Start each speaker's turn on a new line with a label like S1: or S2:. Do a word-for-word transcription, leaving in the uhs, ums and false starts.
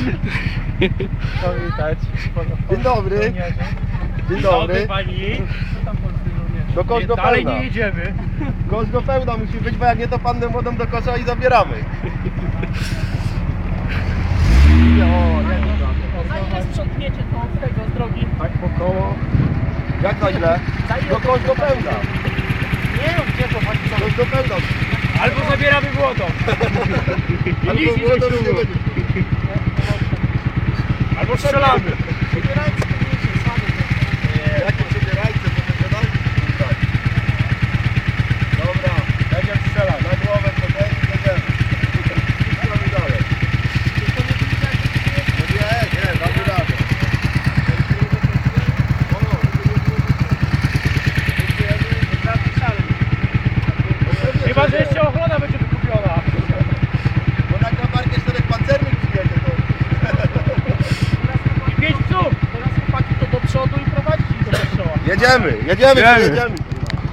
S1: Powitać.
S2: Dzień dobry. Dzień dobry.
S1: Pani.
S2: Do kosz do
S1: Dalej
S2: pełna.
S1: nie jedziemy.
S2: Kosz do pełna musi być, bo jak nie to pannę młodą do kosza i zabieramy.
S3: A ile sprzątniecie to z tego, z drogi?
S2: Tak po koło. Jak na ile? Do kosz do pełna.
S1: Nie wiem, gdzie to pani
S2: Kosz do pełna.
S1: Albo zabieramy błoto.
S2: Albo
S1: nic nie
S2: młodą
S1: ślubu.
S2: nie będzie.
S1: Albo strzelamy.
S2: Jakie przebierajce, to wyglądali? Tak. Dobra, będziemy strzelać. Na głowę to będzie i jedziemy. Strzelamy dalej. No nie, nie, damy radę.
S1: Chyba, że jeszcze ochrona będzie wykupiona.
S2: Bo na kabarkę czterech pancernych przyjedzie to.
S1: I pięć psów.
S3: Teraz chłopaki to do przodu i prowadzić ich do kościoła.
S2: Jedziemy, jedziemy,
S1: Jedziemy.
S2: jedziemy.